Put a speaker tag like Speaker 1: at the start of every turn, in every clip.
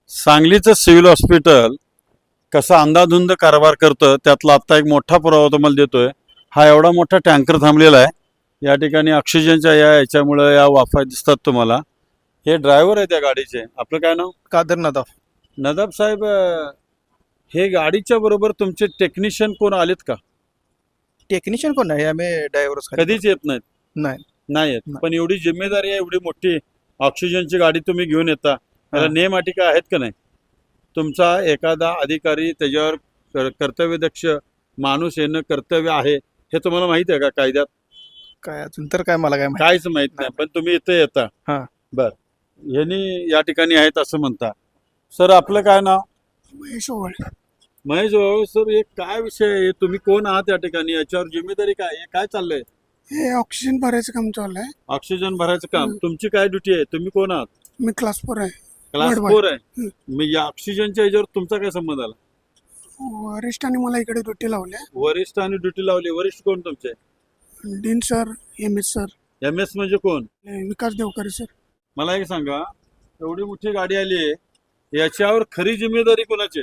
Speaker 1: सांगलीचं civil hospital कसं अंधाधुंद कारभार करतं त्यातला आत्ता एक मोठा पुरावा तुम्हाला देतोय. हा एवढा मोठा टँकर थांबलेला आहे या ठिकाणी. ऑक्सिजनच्या याच्यामुळे या वाफा दिसतात तुम्हाला. हे ड्रायव्हर आहे त्या गाडीचे. आपलं काय नाव?
Speaker 2: कादर नदाफ.
Speaker 1: नदाब साहेब, हे गाडीच्या बरोबर तुमचे टेक्निशियन कोण आलेत का?
Speaker 2: टेक्निशियन कोण आहे? आम्ही ड्रायव्हरच
Speaker 1: कधीच येत नाहीत?
Speaker 2: नाही.
Speaker 1: नाही येत.
Speaker 2: नाही.
Speaker 1: पण एवढी जिम्मेदारी आहे, एवढी मोठी ऑक्सिजनची गाडी तुम्ही घेऊन येता, त्याला
Speaker 2: हा.
Speaker 1: नेम अटी आहेत का नाही? तुमचा एखादा अधिकारी त्याच्यावर कर्तव्यदक्ष माणूस येणं कर्तव्य आहे हे तुम्हाला माहिती आहे का कायद्यात?
Speaker 2: काय अजून तर काय मला काय माहिती.
Speaker 1: काहीच माहित नाही, पण तुम्ही इथे येता.
Speaker 2: हा.
Speaker 1: बर, ह्यांनी या ठिकाणी आहेत असं म्हणता. सर, आपलं काय नाव?
Speaker 3: महेश ओवळ.
Speaker 1: महेश भाऊ, सर हे काय विषय आहे? तुम्ही कोण आहात या ठिकाणी? याच्यावर जिम्मेदारी काय आहे? काय चाललंय?
Speaker 3: हे ऑक्सिजन भरायचं काम चालू आहे.
Speaker 1: ऑक्सिजन भरायचं काम. तुमची काय ड्युटी आहे? तुम्ही कोण आहात?
Speaker 3: मी क्लास 4 आहे.
Speaker 1: Class
Speaker 3: Worldwide.
Speaker 1: 4 आहे. मग या ऑक्सिजनच्या याच्यावर तुमचा काय संबंध आला?
Speaker 3: वरिष्ठांनी मला इकडे ड्युटी लावल्या.
Speaker 1: वरिष्ठ आणि ड्युटी लावली. वरिष्ठ कोण तुमचे?
Speaker 3: Dean sir, MS sir,
Speaker 1: MS म्हणजे कोण?
Speaker 3: विकास देवकरे सर.
Speaker 1: मला एक सांगा, एवढी मोठी गाडी आली आहे, याच्यावर खरी जिम्मेदारी कोणाची?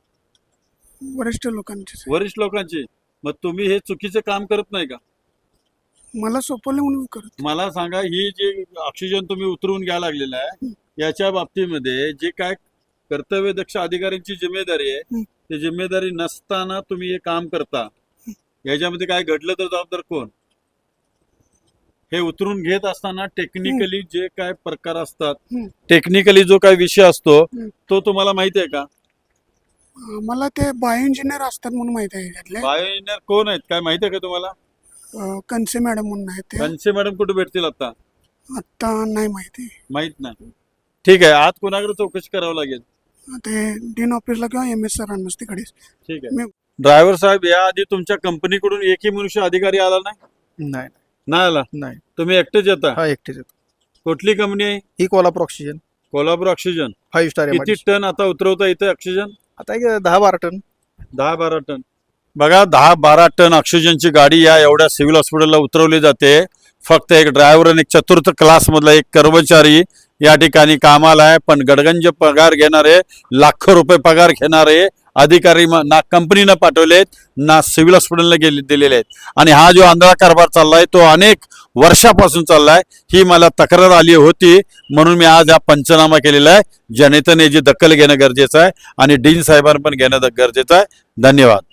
Speaker 3: वरिष्ठ लोकांचे सर.
Speaker 1: वरिष्ठ लोकांची. मग तुम्ही हे चुकीचं काम करत नाही का?
Speaker 3: मला सोपवलं म्हणून करत.
Speaker 1: मला सांगा, ही जी ऑक्सिजन तुम्ही उतरवून घ्यायला लागलेला आहे याच्या बाबतीमध्ये जे काय कर्तव्यदक्ष अधिकाऱ्यांची जिम्मेदारी आहे, ती जिम्मेदारी नसताना तुम्ही हे काम करता, याच्यामध्ये काय घडलं तर जबाबदार कोण? हे उतरून घेत असताना टेक्निकली जे काय प्रकार असतात, टेक्निकली जो काय विषय असतो तो तुम्हाला माहिती आहे का?
Speaker 3: मला ते बायो इंजिनियर असतात म्हणून माहिती आहे त्यातले.
Speaker 1: बायो इंजिनियर कोण आहेत काय माहिती आहे का तुम्हाला?
Speaker 3: कनसे मॅडम म्हणून आहेत ते.
Speaker 1: कंचे मॅडम कुठे भेटतील आता?
Speaker 3: आता नाही माहिती.
Speaker 1: माहित नाही. ठीक आहे, आज कोणाकडे चौकशी करावं लागेल?
Speaker 3: ते डीन ऑफिसला किंवा MS सरांनाच तिकडे.
Speaker 1: ठीक आहे. ड्रायव्हर साहेब, या आधी तुमच्या कंपनीकडून एकही मनुष्य अधिकारी आला नाही?
Speaker 2: नाही.
Speaker 1: नाही आला.
Speaker 2: नाही.
Speaker 1: तुम्ही एकटेच येता?
Speaker 2: हा, एकटेच येतो.
Speaker 1: कुठली कंपनी आहे?
Speaker 2: ही Kolhapur oxygen
Speaker 1: Kolhapur oxygen.
Speaker 2: 5 star.
Speaker 1: किती टन आता उतरवता इथे ऑक्सिजन?
Speaker 2: आता एक 10-12 टन.
Speaker 1: 10-12 टन. बघा, 10-12 टन ऑक्सिजनची गाडी या एवढ्या सिव्हिल हॉस्पिटलला उतरवली जाते. फक्त एक ड्रायव्हर आणि एक चतुर्थ क्लास मधला एक कर्मचारी या ठिकाणी कामाला आहे. पण गडगंज पगार घेणारे, लाखो रुपये पगार घेणारे अधिकारी ना कंपनीनं पाठवलेत ना सिव्हिल हॉस्पिटलला दिलेले आहेत. आणि हा जो आंधळा कारभार चाललाय तो अनेक वर्षापासून चाललाय. ही मला तक्रार आली होती म्हणून मी आज हा पंचनामा केलेला आहे. जनतेने याची दखल घेणं गरजेचं आहे आणि डीन साहेबांनी पण घेणं गरजेचं आहे. धन्यवाद.